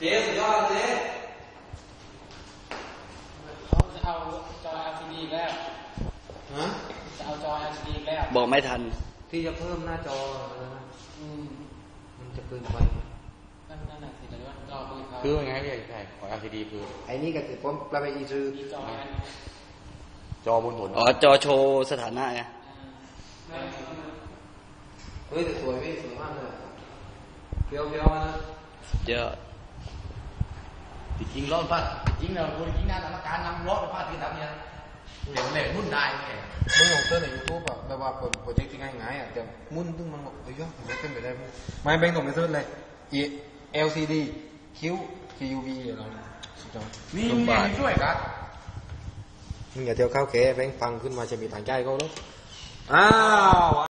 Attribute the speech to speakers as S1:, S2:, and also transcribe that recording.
S1: จ๊สุดยอดเจ๊
S2: เขาจะเอาจอ LCD แล้ว
S1: ฮะ
S2: จะเอาจอ LCD แล้ว
S3: บอกไม่ทัน
S1: ที่จะเพิ่มหน้าจอมันจะเกินไป
S2: นั่นน่ะสิแต่ว่าจอ
S4: คือไงใช่ของ LCD คือ
S1: ไอ้นี่ก็คือผมปลาไปอีซื้อ
S4: จอบนถนน
S3: อ๋อจอโชว์สถานะไง
S1: เฮ้ยแต่สวยพี่สวยมากเลยเฟี้ยวนะ
S3: เยอะ
S4: จริงรถพัดจริงเราคนจริงนะกรรมการนำรถพัดที่ทำเนี่ยเดี๋ยวเล่นมุ่นได้ไง
S1: มึงลงเต้นในยูทูบแบบว่าโปรเจกต์ที่ง่ายๆแต่มุ่นตึ้งมันบอกเฮ้ยผมจะเต้นไปได้มั้ยไม่แบงค์ส่งไปเซิร์ชเลย LCD QUV อะไร
S4: นี่มึงช่วยกัน
S1: มึงอย่าเที่ยวข้าวแก่แบงค์ฟังขึ้นมาจะมีต่างใจเขาแล้วอ้าว